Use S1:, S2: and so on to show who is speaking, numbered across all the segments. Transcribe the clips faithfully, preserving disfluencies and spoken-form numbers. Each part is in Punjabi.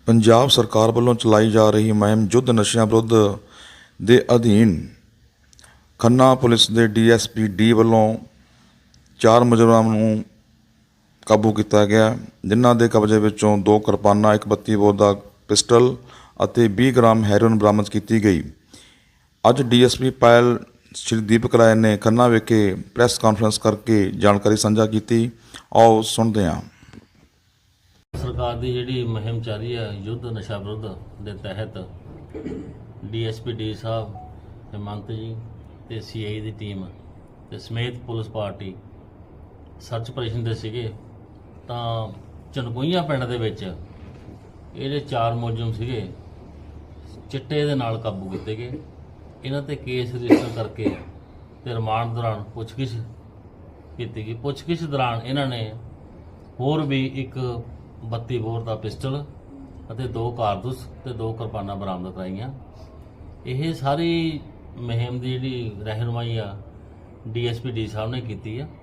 S1: ਪੰਜਾਬ ਸਰਕਾਰ ਵੱਲੋਂ ਚਲਾਈ ਜਾ ਰਹੀ ਮੁਹਿੰਮ ਯੁੱਧ ਨਸ਼ਿਆਂ ਵਿਰੁੱਧ ਦੇ ਅਧੀਨ ਖੰਨਾ ਪੁਲਿਸ ਦੇ ਡੀ ਐਸ ਪੀ ਡੀ ਵੱਲੋਂ ਚਾਰ ਮੁਲਜ਼ਮਾਂ ਨੂੰ ਕਾਬੂ ਕੀਤਾ ਗਿਆ, ਜਿਨ੍ਹਾਂ ਦੇ ਕਬਜ਼ੇ ਵਿੱਚੋਂ ਦੋ ਕਿਰਪਾਨਾਂ, ਇੱਕ ਬੱਤੀ ਬੋਰ ਦਾ ਪਿਸਟਲ ਅਤੇ ਵੀਹ ਗ੍ਰਾਮ ਹੈਰੋਇਨ ਬਰਾਮਦ ਕੀਤੀ ਗਈ। ਅੱਜ ਡੀ ਐਸ ਪੀ ਪਾਇਲ ਸ਼੍ਰੀ ਦੀਪਕ ਰਾਏ ਨੇ ਖੰਨਾ ਵਿਖੇ ਪ੍ਰੈਸ ਕਾਨਫਰੰਸ ਕਰਕੇ ਜਾਣਕਾਰੀ ਸਾਂਝਾ ਕੀਤੀ। ਆਓ ਸੁਣਦੇ ਹਾਂ।
S2: ਸਰਕਾਰ ਦੀ ਜਿਹੜੀ ਮੁਹਿੰਮ ਚੱਲ ਰਹੀ ਹੈ ਯੁੱਧ ਨਸ਼ਾ ਵਿਰੁੱਧ ਦੇ ਤਹਿਤ ਡੀ ਐਸ ਪੀ ਡੀ ਸਾਹਿਬ ਹਿਮੰਤ ਜੀ ਤੇ ਸੀ ਆਈ ਦੀ ਟੀਮ ਤੇ ਸਮੇਤ ਪੁਲਿਸ ਪਾਰਟੀ ਸਰਚ ਆਪਰੇਸ਼ਨ ਦੇ ਸੀਗੇ ਤਾਂ ਚਨਕੋਈਆਂ ਪਿੰਡ ਦੇ ਵਿੱਚ ਇਹਦੇ ਚਾਰ ਮੁਲਜ਼ਮ ਸੀਗੇ ਚਿੱਟੇ ਦੇ ਨਾਲ ਕਾਬੂ ਕੀਤੇ ਗਏ। ਇਹਨਾਂ ਤੇ ਕੇਸ ਰਜਿਸਟਰ ਕਰਕੇ ਤੇ ਰਿਮਾਂਡ ਦੌਰਾਨ ਪੁੱਛਗਿੱਛ ਕੀਤੀ ਗਈ। ਪੁੱਛਗਿੱਛ ਦੌਰਾਨ ਇਹਨਾਂ ਨੇ ਹੋਰ ਵੀ ਇੱਕ ਬੱਤੀ ਬੋਰ ਦਾ ਪਿਸਟਲ ਅਤੇ ਦੋ ਕਾਰਤੂਸ ਤੇ ਦੋ ਕਿਰਪਾਨਾਂ ਬਰਾਮਦ ਕਰਾਈਆਂ। ਇਹ ਸਾਰੀ ਮੁਹਿੰਮ ਦੀ ਜਿਹੜੀ ਰਹਿਨੁਮਾਈ ਆ ਡੀ ਐਸ ਪੀ ਡੀ ਸਾਹਿਬ ਨੇ ਕੀਤੀ ਆ।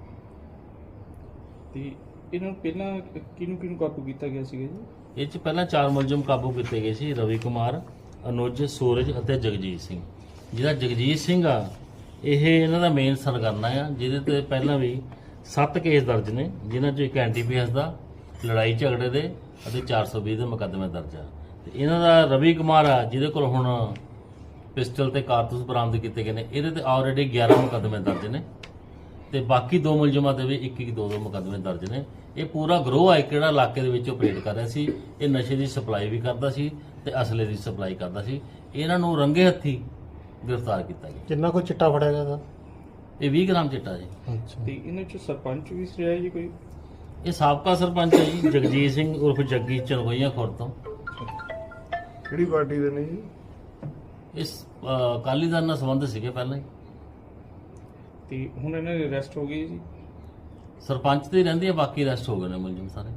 S3: ਤੇ ਇਹਨਾਂ ਨੂੰ ਪਹਿਲਾਂ ਕਿਹਨੂੰ ਕਿਹਨੂੰ ਕਾਬੂ ਕੀਤਾ ਗਿਆ ਸੀਗਾ ਜੀ?
S2: ਇਹ 'ਚ ਪਹਿਲਾਂ ਚਾਰ ਮੁਲਜ਼ਮ ਕਾਬੂ ਕੀਤੇ ਗਏ ਸੀ, ਰਵੀ ਕੁਮਾਰ, ਅਨੁਜ, ਸੂਰਜ ਅਤੇ ਜਗਜੀਤ ਸਿੰਘ। ਜਿਹੜਾ ਜਗਜੀਤ ਸਿੰਘ ਆ ਇਹ ਇਹਨਾਂ ਦਾ ਮੇਨ ਸਰਗਰਨਾ ਆ, ਜਿਹਦੇ ਤੇ ਪਹਿਲਾਂ ਵੀ ਸੱਤ ਕੇਸ ਦਰਜ ਨੇ, ਜਿਨ੍ਹਾਂ 'ਚੋਂ ਇੱਕ ਐਨ ਡੀ ਪੀ ਐਸ ਦਾ ਲੜਾਈ ਝਗੜੇ ਦੇ ਅਤੇ ਚਾਰ ਸੌ ਵੀਹ ਦੇ ਮੁਕੱਦਮੇ ਦਰਜ ਆ। ਤੇ ਇਹਨਾਂ ਦਾ ਰਵੀ ਕੁਮਾਰ ਆ ਜਿਹਦੇ ਕੋਲ ਹੁਣ ਪਿਸਟਲ ਤੇ ਕਾਰਤੂਸ ਬਰਾਮਦ ਕੀਤੇ ਗਏ ਨੇ, ਇਹਦੇ ਤੇ ਆਲਰੇਡੀ ਗਿਆਰਾਂ ਮੁਕੱਦਮੇ ਦਰਜ ਨੇ ਤੇ ਬਾਕੀ ਦੋ ਮੁਲਜ਼ਮਾਂ ਦੇ ਵੀ ਇੱਕ ਇੱਕ ਦੋ ਦੋ ਮੁਕੱਦਮੇ ਦਰਜ ਨੇ। ਇਹ ਪੂਰਾ ਗਰੋਹ ਆ ਕਿਹੜਾ ਇਲਾਕੇ ਦੇ ਵਿੱਚ ਆਪਰੇਟ ਕਰ ਰਿਹਾ ਸੀ। ਇਹ ਨਸ਼ੇ ਦੀ ਸਪਲਾਈ ਵੀ ਕਰਦਾ ਸੀ ਤੇ ਅਸਲੇ ਦੀ ਸਪਲਾਈ ਕਰਦਾ ਸੀ। ਇਹਨਾਂ ਨੂੰ ਰੰਗੇ ਹੱਥੀ ਗ੍ਰਿਫਤਾਰ ਕੀਤਾ ਗਿਆ।
S4: ਕਿੰਨਾ ਕੁ ਚਿੱਟਾ ਫੜਿਆ ਗਿਆ ਤਾਂ?
S2: ਇਹ ਵੀਹ ਗ੍ਰਾਮ ਚਿੱਟਾ ਜੀ।
S4: ਅੱਛਾ,
S3: ਤੇ ਇਹਨਾਂ ਚ ਸਰਪੰਚ ਵੀ ਰਿਹਾ ਜੀ ਕੋਈ?
S2: ਇਹ ਸਾਬਕਾ ਸਰਪੰਚ ਹੈ ਜੀ, ਜਗਜੀਤ ਸਿੰਘ ਉਰਫ ਜੱਗੀ, ਚਨਗੋਈਆਂ ਖੁਰਦ ਤੋਂ।
S4: ਕਿਹੜੀ ਪਾਰਟੀ ਦੇ ਨੇ ਜੀ?
S2: ਇਸ ਅਹ, ਅਕਾਲੀ ਦਲ ਨਾਲ ਸੰਬੰਧ ਸੀਗੇ ਪਹਿਲਾਂ ਹੀ।
S3: ਤੇ ਹੁਣ ਇਹਨਾਂ ਦੀ ਅਰੈਸਟ ਹੋ ਗਈ ਜੀ?
S2: ਸਰਪੰਚ ਤੇ ਹੀ ਰਹਿੰਦੀ ਆ, ਬਾਕੀ ਅਰੈਸਟ ਹੋ ਗਏ ਨੇ ਮੁਲਜ਼ਮ ਸਾਰੇ।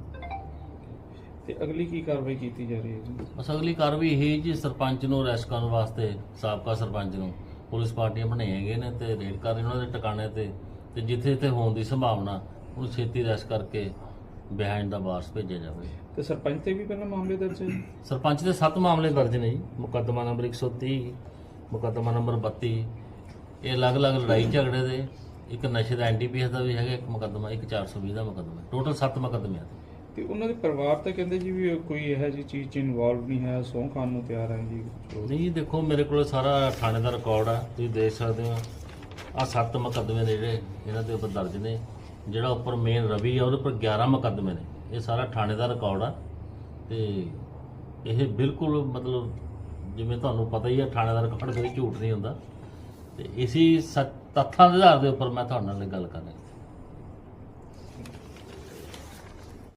S3: ਤੇ ਅਗਲੀ ਕੀ ਕਾਰਵਾਈ ਕੀਤੀ ਜਾ ਰਹੀ ਹੈ ਜੀ?
S2: ਬਸ ਅਗਲੀ ਕਾਰਵਾਈ ਇਹ ਜੀ, ਸਰਪੰਚ ਨੂੰ ਅਰੈਸਟ ਕਰਨ ਵਾਸਤੇ ਸਾਬਕਾ ਸਰਪੰਚ ਨੂੰ ਪੁਲਿਸ ਪਾਰਟੀਆਂ ਬਣਾਈਆਂ ਗਈਆਂ ਨੇ ਤੇ ਰੇਡ ਕਰ ਰਹੇ ਉਹਨਾਂ ਦੇ ਟਿਕਾਣੇ ਤੇ ਤੇ ਜਿੱਥੇ ਜਿੱਥੇ ਹੋਣ ਦੀ ਸੰਭਾਵਨਾ ਉਹਨੂੰ ਛੇਤੀ ਅਰੈਸਟ ਕਰਕੇ ਬਿਹਾਈਂਡ ਦਾ ਬਾਰਸ ਭੇਜਿਆ ਜਾਵੇ।
S3: ਤੇ ਸਰਪੰਚ ਤੇ ਵੀ ਪਹਿਲਾਂ ਮਾਮਲੇ ਦਰਜ ਹੈ ਜੀ?
S2: ਸਰਪੰਚ ਦੇ ਸੱਤ ਮਾਮਲੇ ਦਰਜ ਨੇ ਜੀ। ਮੁਕੱਦਮਾ ਨੰਬਰ ਇੱਕ ਸੌ ਤੀਹ, ਮੁਕੱਦਮਾ ਨੰਬਰ ਬੱਤੀ, ਇਹ ਅਲੱਗ-ਅਲੱਗ ਲੜਾਈ ਝਗੜੇ ਦੇ, ਇੱਕ ਨਸ਼ੇ ਦਾ ਐਨ ਡੀ ਪੀ ਐਸ ਦਾ ਵੀ ਹੈਗਾ ਇੱਕ ਮੁਕੱਦਮਾ, ਇੱਕ ਚਾਰ ਸੌ ਵੀਹ ਦਾ ਮੁਕੱਦਮਾ, ਟੋਟਲ ਸੱਤ ਮੁਕੱਦਮੇ ਆ।
S3: ਤੇ ਉਹਨਾਂ ਦੇ ਪਰਿਵਾਰ ਤਾਂ ਕਹਿੰਦੇ ਜੀ ਵੀ ਕੋਈ ਇਹੋ ਜਿਹੀ ਚੀਜ਼ 'ਚ ਇਨਵੋਲਵ ਨਹੀਂ ਹੈ, ਸਹੁੰ ਖਾਣ ਨੂੰ ਤਿਆਰ ਹੈ ਜੀ।
S2: ਨਹੀਂ ਦੇਖੋ, ਮੇਰੇ ਕੋਲ ਸਾਰਾ ਥਾਣੇ ਦਾ ਰਿਕਾਰਡ ਆ, ਤੁਸੀਂ ਦੇਖ ਸਕਦੇ ਹੋ। ਆਹ ਸੱਤ ਮੁਕੱਦਮੇ ਨੇ ਜਿਹੜੇ ਇਹਨਾਂ ਦੇ ਉੱਪਰ ਦਰਜ ਨੇ। ਜਿਹੜਾ ਉੱਪਰ ਮੇਨ ਰਵੀ ਆ ਉਹਦੇ ਉੱਪਰ ਗਿਆਰਾਂ ਮੁਕੱਦਮੇ ਨੇ। ਇਹ ਸਾਰਾ ਥਾਣੇ ਦਾ ਰਿਕਾਰਡ ਆ ਤੇ ਇਹ ਬਿਲਕੁਲ ਮਤਲਬ ਜਿਵੇਂ ਤੁਹਾਨੂੰ ਪਤਾ ਹੀ ਆ, ਥਾਣੇ ਦਾ ਰਿਕਾਰਡ ਕਦੇ ਝੂਠ ਨਹੀਂ ਹੁੰਦਾ। ਤੇ ਇਸੀ ਤੱਥਾਂ ਦੇ ਆਧਾਰ ਦੇ ਉੱਪਰ ਮੈਂ ਤੁਹਾਡੇ ਨਾਲ ਗੱਲ ਕਰ ਰਿਹਾ।